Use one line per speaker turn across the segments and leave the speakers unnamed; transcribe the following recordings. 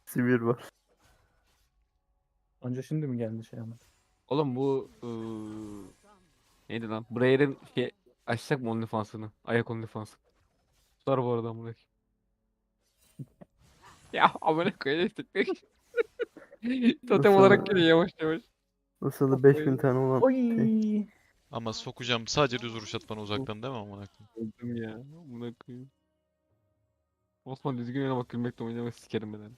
Sivir var.
Anca şimdi mi geldi şey ama?
Oğlum bu neydi lan? Brayer'in şey açacak mı OnlyFans'ını? Ayak OnlyFans. Tutar bu arada amına koyayım. Ya amına koyayım işte. Totem olarak
Nasıl,
geliyor yavaş yavaş.
nasıl da
Kafayı
5000 tane olan şey.
Oy.
Ama sokacağım sadece düz vuruş at bana uzaktan değil mi amına koyayım?
öldüm ya. Amına koyayım. Osman düzgün oyna bak gülmekle oynamak sikerim ben.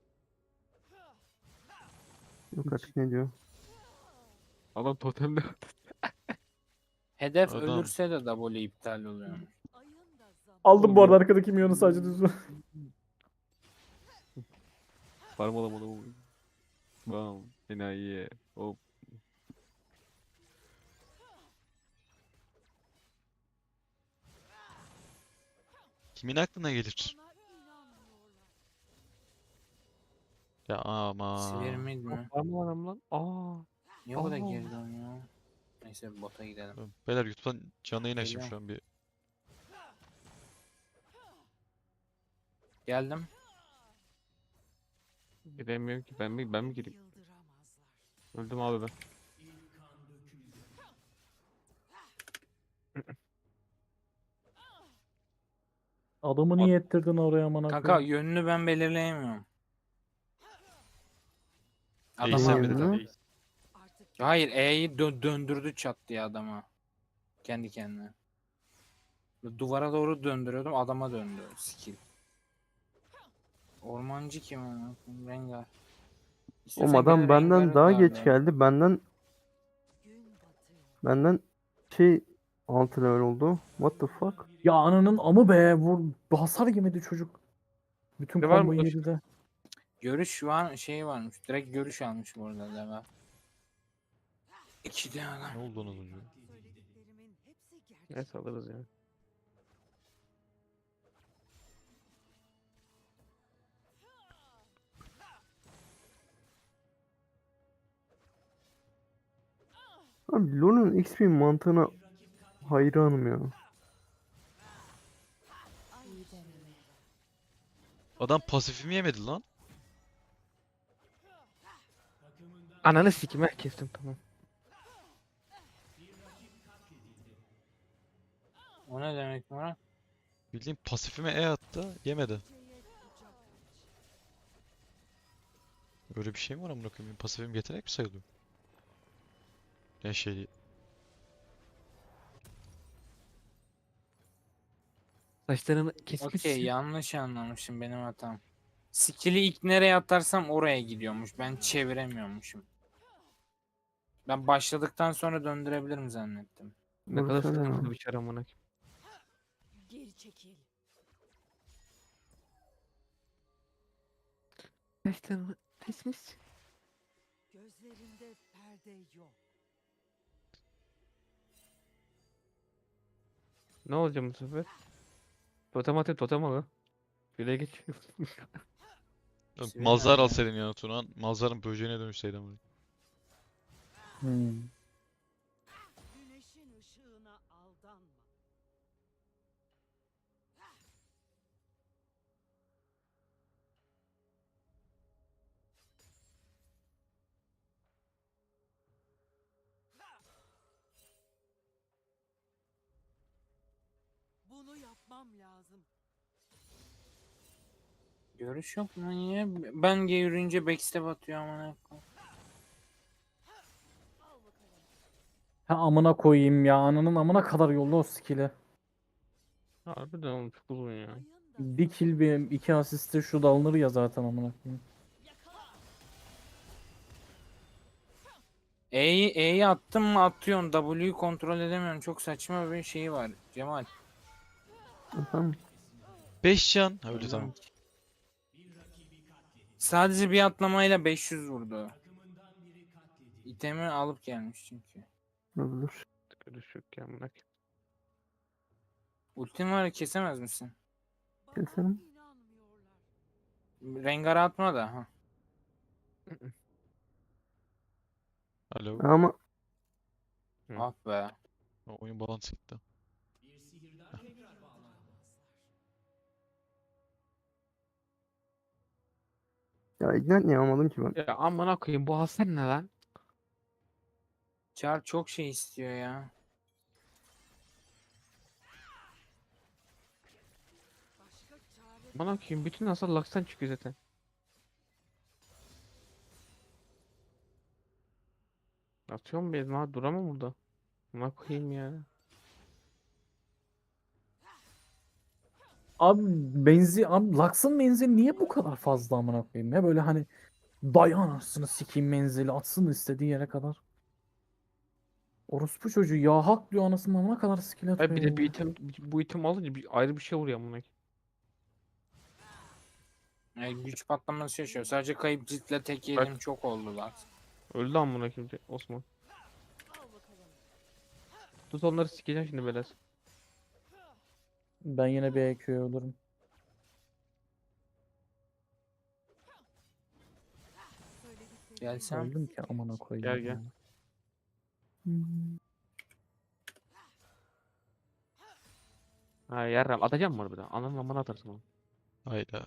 Yok artık ne diyor?
Adam totemde.
Hedef
Adam.
ölürse de W iptal oluyor.
Aldım bu arada arkadaki milyonu sadece düz.
Parmalamadı bu. Bam. Enayi. Hop.
Kimin aklına gelir? Ya ama.
Sivir mid mi?
Parmaladım lan. Aa.
Niye o kadar
Aa.
geri dönüyor? Neyse bota gidelim.
Beyler YouTube'dan canlı yayın açtım
Geliyorum.
şu an bir.
Geldim.
Giremiyorum ki. Ben mi gireyim? Öldüm abi ben.
Adamı niye ettirdin oraya amına
Kanka
koyayım?
yönünü ben belirleyemiyorum.
Ace
Adam
sen
Neyin
bir de
yönünü?
tabii.
Hayır E'yi döndürdü çat diye adama. Kendi kendine. Duvara doğru döndürüyordum adama döndü skill. Ormancı kim ama? Rengar.
Oğlum
İstiyorsan
adam
gel
benden
Rengar'ı
daha geç
darlayalım.
geldi. Benden şey 6 level oldu. What the fuck?
Ya ananın amı be vur. Hasar yemedi çocuk. Bütün
Ne var mı
komboyu
başka?
yedi de.
Görüş var şey varmış. Direkt görüş almış bu arada Leva. İki de adam.
Ne oldu onun ucu?
Neyse alırız ya.
Abi LoL'un XP mantığına hayranım ya.
Adam pasifimi yemedi lan.
Ananı sikim kestim tamam.
O ne demek Murat?
Bildiğin pasifime E attı yemedi. Öyle bir şey mi var amına koyayım? Benim pasifim yetenek mi sayılıyor? Ya şey
Saçlarını kesmiş.
Okey yanlış anlamışım benim hatam. Skill'i ilk nereye atarsam oraya gidiyormuş. Ben çeviremiyormuşum. Ben başladıktan sonra döndürebilirim zannettim.
Ne kadar
Vursana
sıkıntılı
ya.
bir şey amına koyayım.
Geri çekil.
Saçlarını kesmiş.
Gözlerinde perde yok.
Ne olacak bu sefer? Totem atayım totem al. Şuraya geç.
Sivri
Malzar
nerede?
alsaydın ya Turan. Malzarın böceğine dönüşseydim. Amına.
Hmm.
Güneşin ışığına aldanma. Bunu yapmam lazım.
Görüş yok mu niye? Ben yürüyünce backstep atıyor amına koyayım.
Ha amına koyayım ya. Ananın amına kadar yolda o skill'i.
Harbiden oğlum çok uzun ya.
Bir kill bir iki asiste şu da alınır ya zaten amına koyayım.
E'yi attım mı atıyorsun. W'yu kontrol edemiyorum. Çok saçma bir şey var. Cemal.
Efendim?
5 can. Ha, öyle tamam.
Sadece bir atlamayla 500 vurdu. İtemi alıp gelmiş çünkü.
Olabilir.
Görüş yok ya amına koyayım.
Ultin var kesemez misin?
Keselim.
İnanmıyorlar.
Rengar atma da. Ha.
Alo.
Ama
Hı.
Ah be.
Oyun bağlantısı gitti.
Ya ignite niye almadım ki ben?
Ya amına koyayım bu hasar ne lan?
Char çok şey istiyor ya.
Başka çare
Amına koyayım bütün hasar Lux'tan çıkıyor zaten. Atıyorum bir ha duramam burada. Amına koyayım ya.
Abi abi Lux'ın menzili niye bu kadar fazla amına koyayım ya böyle hani dayan anasını sikeyim menzili atsın istediği yere kadar. Orospu çocuğu ya hak diyor anasının amına kadar skill
Ay bir
atıyor
de bir
ya.
item bu item alınca ayrı bir şey vuruyor amına koyayım.
Yani güç patlaması yaşıyor. Sadece kayıp ciltle tek yedim çok oldu lan.
Öldü amına koyayım Osman. Tut onları sikeceğim şimdi belas.
Ben yine bir EQ'ye ölürüm.
Gelsem.
Öldüm ki amına koyayım.
Gel, gel.
ya. Hmm.
Ha yarram atacağım mı harbiden? Ananın amına atarsın onu.
Hayda.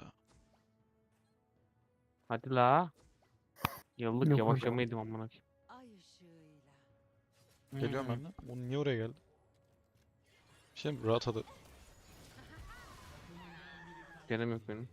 Hadi la. Yıllık
Yok
yavaşlamaydım amına koyayım.
ay ışığıyla.
Geliyorum ben de. Oğlum niye oraya geldi? Şimdi rahat hadi.
Denem yok benim.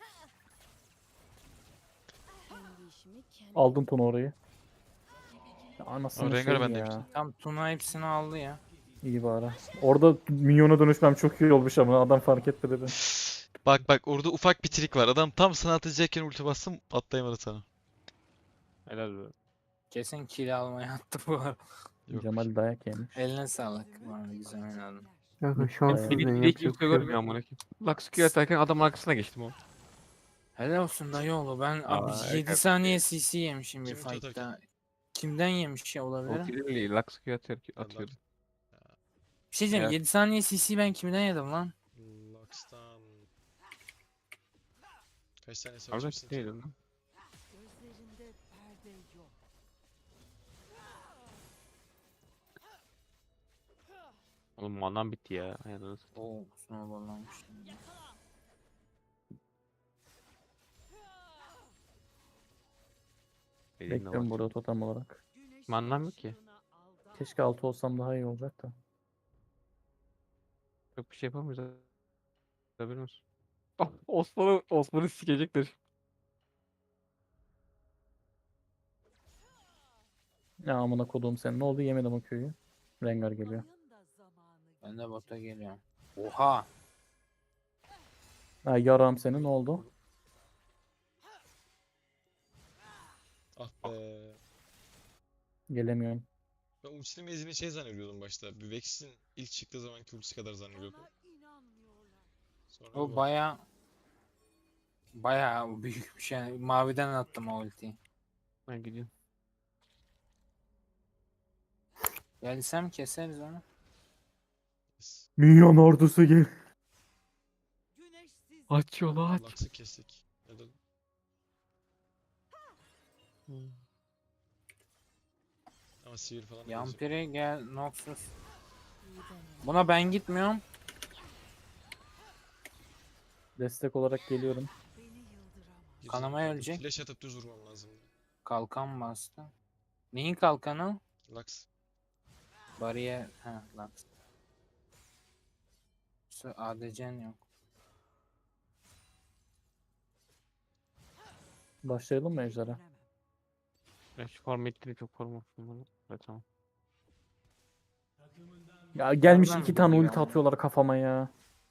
Aldım Tunu orayı. Ya anasını
Rengar
şey
ben
ya.
demiştim.
Tam Tuna hepsini aldı ya.
İyi bari. Orada minyona dönüşmem çok iyi olmuş ama adam fark etti dedi.
Bak bak orada ufak bir trik var. Adam tam sana atacakken ulti bastım atlayamadı sana.
Helal be.
Kesin kill almaya attı bu arada.
Yok.
Cemal dayak yemiş.
Eline sağlık. Bu arada güzel oynadın.
Ya şanssız
Beni
ben
bile
yapacak
kimse
bir şey yok.
görmüyor amına koyayım. Lux Q atarken adamın arkasına geçtim o.
Helal olsun dayıoğlu. Ben
Aa,
abi 7
evet.
saniye CC yemişim bir
Kim ulti
fight'ta. Kimden yemiş ya
O
olabilir?
Kirill'i Lux Q atıyor.
Bir şey diyeceğim.
Ya.
7 saniye CC ben kimden yedim lan?
Lux'tan kaç tane
Orada
savaşmışsın ki?
değil lan.
Gözlerinde perde yok.
Oğlum manam bitti ya. Aynen.
Oo snowball'lanmış.
Bekliyorum burada totem olarak.
Güneşin
Manam yok ki.
ışığına aldanma.
Keşke 6 olsam daha iyi olacak da.
Çok bir şey yapamıyoruz. Haberin olsun. Ah, Osman'ı sikecekler.
Ya amına koduğum sen ne oldu yemedim o köyü. Rengar geliyor.
Ayın da zamanı
Ben de bota geliyorum. Oha.
Ha yaram senin ne oldu?
Ah be.
Gelemiyorum.
Ben ultisinin menzilini şey zannediyordum başta. Bir Vex'in ilk çıktığı zamanki ultisi kadar zannediyordum.
Bana inanmıyorlar.
Sonra
O
bir
baya büyük bir şey. Maviden attım o ultiyi.
Ben gidiyorum.
Gelsem keseriz onu.
baktım.
Minyon ordusu gel.
Güneşsiz
Aç yolu aç.
Lux'ı kestik. Ya da ama sihir falan da gelecek.
Yampiri gel Noxus. Buna ben gitmiyorum.
Destek olarak geliyorum.
beni yıldıramaz.
Girecek.
Kanamaya ölecek.
Flash atıp düz vurmam lazım.
Kalkan bastı. Neyin kalkanı?
Lux.
Bariyer. Ha lan. ADC'n yok.
Başlayalım mı Ejder'e?
Ben şu farm ettiğini çok farm olsun bunu. Evet tamam.
Ya gelmiş
Nereden
2 tane
biliyor
ulti
ama?
atıyorlar kafama ya.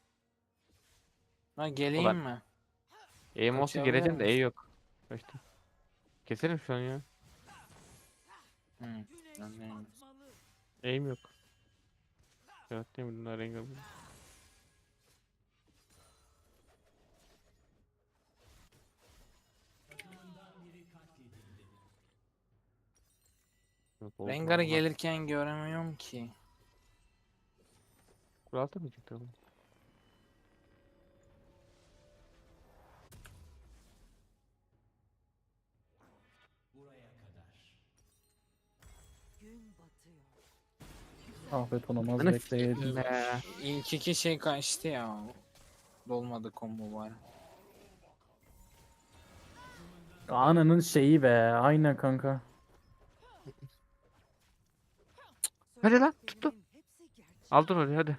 Ha geleyim
Ulan.
mi?
E'm olsa
Kaçabilir
geleceğim de E
misin?
yok. Kaçtı. Keserim şu an ya.
Hı.
Güneş
Anlayayım.
batmalı.
E'm yok. Evet değil mi? Bunlar rengar. Yok, oldu
Rengar'ı
vallahi.
gelirken göremiyorum ki.
Kural atamayacaklar oğlum.
Gün batıyor.
Afiyet olmaz
Ananı
bekleyin.
sikeyim be.
İlk iki şey kaçtı ya. Dolmadı combo var.
Ananın şeyi be. Aynen kanka.
Hadi lan tuttu.
Söylediklerimin hepsi gerçek.
Aldın orayı hadi.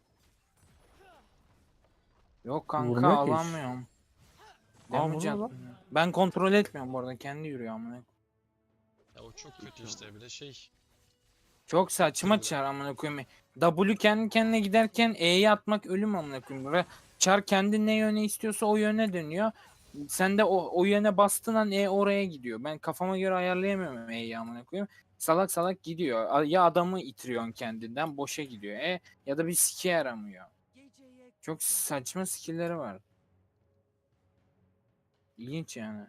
Yok kanka
Vurmuyor ki hiç.
alamıyorum.
Aa,
Damage
vurmuyor lan.
atmıyor. Ben kontrol etmiyorum bu arada. Kendi yürüyor amına.
Ya o çok kötü işte bir de şey.
Çok saçma
Tabii.
çar amına koyayım. W kendi kendine giderken E'yi atmak ölüm amına koyayım. Çar kendi ne yöne istiyorsa o yöne dönüyor. Sen de o yöne bastığın an E oraya gidiyor. Ben kafama göre ayarlayamıyorum E'yi amına koyayım. Salak salak gidiyor. Ya adamı itiriyorsun kendinden boşa gidiyor. Ya da bir sike yaramıyor.
Geceye
Çok saçma skill'leri var. İlginç yani.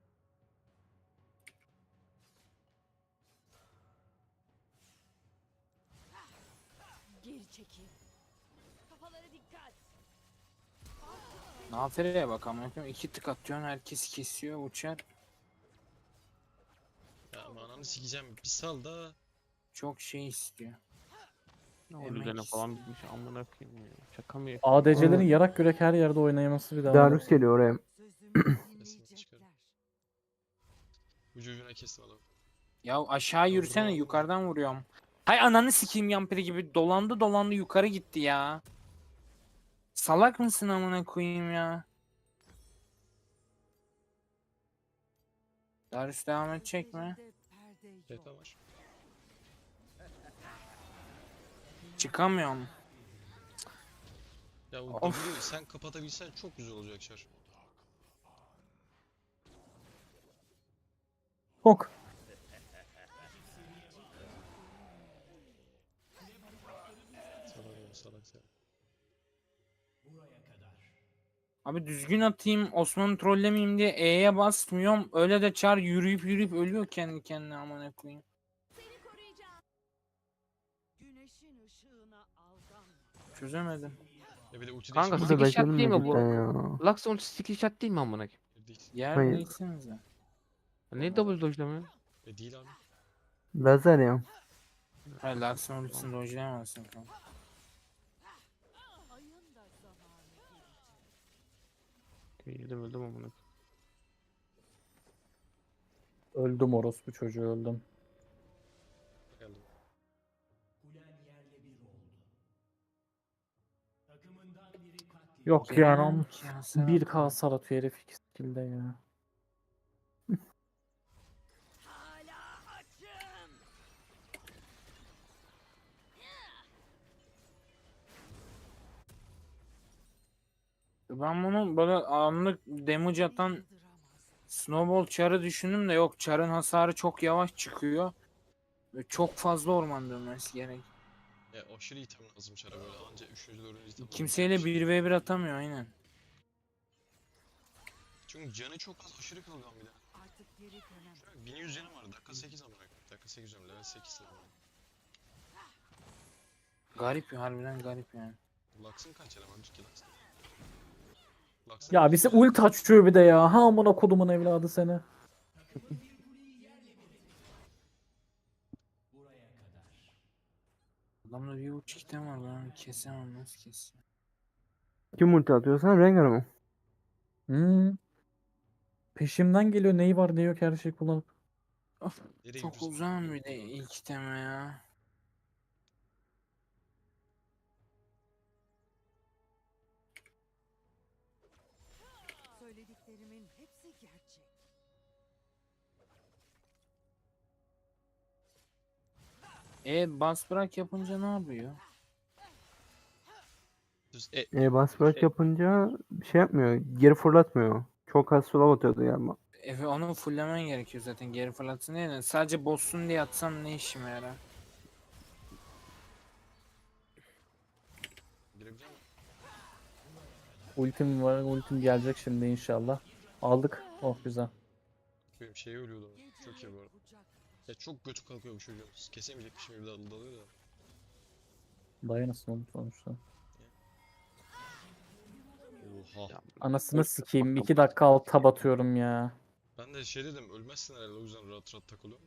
geri çekil. Kafalara dikkat.
Nafere'ye bak amına koyayım. 2 tık atıyorsun herkes kesiyor uçar.
Ya ama ananı sikeceğim. Bir sal da.
Çok şey istiyor.
Ne
Emek
oldu üzerine falan
istiyor.
bitmiş amına koyayım ya. Şaka mı ya?
ADC'lerin
Aa.
yarak yürek her yerde oynayaması bir daha.
Darius geliyor oraya.
Sözümü
Kesin çıkarım.
dinleyecekler.
Ucu ucuna kestim adamı.
Ya aşağı yürüsene
Doğru.
yukarıdan vuruyorum. Hay ananı sikeyim yampiri gibi dolandı dolandı yukarı gitti ya. Salak mısın amına koyayım ya? Darius devam edecek mi?
Gözlerinde perde yok.
Tepe var.
Çıkamıyorum.
Ya o
Of.
W'yu sen kapatabilsen çok güzel olacak Çar.
Hok.
Salak oğlum salak sen.
Abi düzgün atayım Osman'ı trollemeyeyim diye E'ye basmıyorum. Öyle de çar yürüyüp yürüyüp ölüyor kendi kendine amına koyayım.
Güneşin ışığına aldanma.
Çözemedim.
Ya bir de ulti
Kanka,
Bu
Sıkı
da
şart değil
bekleniyor
mi bu?
cidden ya.
Lux ultisi skill shot değil mi amına koyayım?
değil.
Yer
Hayır.
değilsinize.
Ne double dojlamıyor?
Değil abi.
Lazer ya.
Hayır Lux'ın ultisini dojlayamazsın kanka.
Ayın da zamanı gelecek.
Öldüm amına koyayım.
Öldüm orospu çocuğu öldüm.
Geldim.
Yok ya.
Gelemem ki ya, sen
1K
atma.
hasar atıyor herif 2 skill'de ya.
Hala açım.
Ben bunu böyle anlık damage atan
Yıldıramaz.
Snowball çarı düşündüm de yok çarın hasarı çok yavaş çıkıyor. Ve çok fazla orman dönmesi gerek.
Ya aşırı item lazım Çar'a böyle anca 3. 4. item
Kimseyle 1v1 atamıyor aynen.
Çünkü canı çok az aşırı kılgan bir de.
Artık geri dönemem.
Şu an 1100 canı var dakika 8 amına koyayım. Dakika 8 diyorum level 8 level.
Garip ya harbiden garip yani.
Lux'ın kaç eleman ki Lux'ın? Lux'ın
Ya
kaç
bize
eleman?
ult açıyor bir de ya. Ha amına kodumun evladı seni.
Adamda bir uç item var ben kesemem nasıl keseceğim.
Kim ulti atıyorsan Rengar mı?
Peşimden geliyor neyi var ne yok her şeyi kullanıp.
Nereye
Çok
gidiyorsun?
uzağım bir de ilk iteme ya.
Söylediklerimin hepsi gerçek.
Bas bırak yapınca ne yapıyor?
Düz
Bas bırak yapınca bir şey yapmıyor. Geri fırlatmıyor. Çok az slow atıyordu galiba.
Efe onu fulllemen gerekiyor zaten geri fırlatsın diye de sadece boss'un diye atsam ne işime yarar?
girebilecek misin?
Ultim var. Ultim gelecek şimdi inşallah. Aldık. Oh güzel.
Benim şeye ölüyordu. Çok iyi bu arada.
Kucak.
Ya çok götü kalkıyor bu çocuğun. Kesemeyecekmişim gibi dalıyor da.
Dayanasın oğlum sonuçta.
Oha.
Ya,
Anasını
Ult-
sikeyim. 2 dakika alt tab atıyorum ya.
Ben de şey dedim ölmezsin herhalde o yüzden rahat rahat takılıyorum.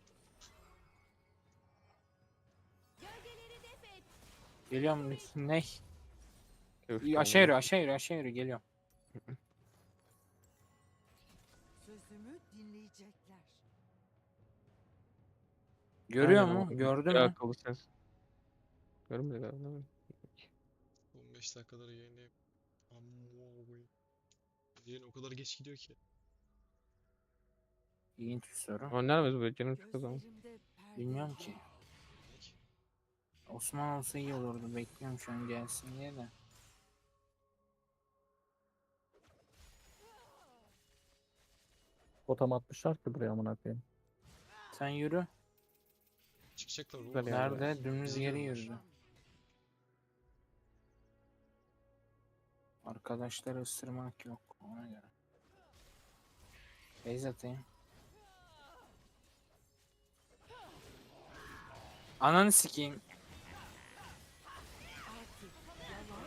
Geliyorum ne?
Köfte
Aşağı yürü
amına
aşağı yürü aşağı yürü geliyorum.
Sözümü sözümü dinleyecekler.
Görüyor
Aynen
mu?
ama
Gördü
ya
mü?
akıllı sensin. Görmedi galiba. Değil mi?
15 dakikadır yayındayım. Amma koyayım. Yayın o kadar geç gidiyor ki.
İlginç bir soru.
Oynar mıyız böyle canım çok o zaman?
Gözlerimde perde
Bilmiyorum
yok.
ki.
Ne ki?
Osman olsa iyi olurdu. Bekliyorum şu an gelsin diye de.
Totem atmışlar ki buraya amına koyayım.
Sen yürü.
Çıkacaklar oğlum.
Güzel yani.
Nerede? Dümdüz geri
Geliyorlar.
yürüdü. Arkadaşları ısırmak yok. Ona göre. Beyz atayım. Ananı sikeyim.
Artık yalan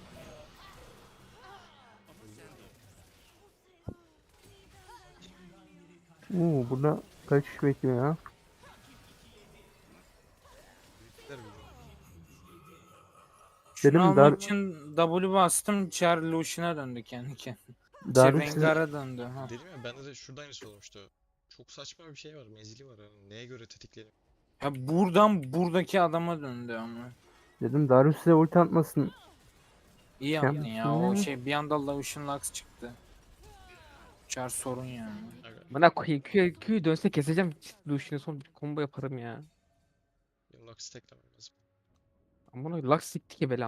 Burada kaç kişi bekliyor ya?
Büyükler biliyor.
Şunu
Dedim
almak
Dar-
için W bastım. Char Lucian'a döndü kendi kendine.
Darius size-
Rengar'a döndü. Ha.
Dedim ya bende de şurada aynısı olmuştu. Çok saçma bir şey var. Menzili var. Yani neye göre tetikleyelim?
Ya buradan buradaki adama döndü ama.
dedim Darius size ulti atmasın.
İyi
Şey
yaptın ya.
yapmışsın
O
ya.
şey bir anda Lucian Lux çıktı. Char sorun yani.
Aga,
Bana Q'yu dönse keseceğim. Lucian'ı son bir combo yaparım ya.
benim Lux'ı teklemem lazım.
Ama Lux sikti ki bela.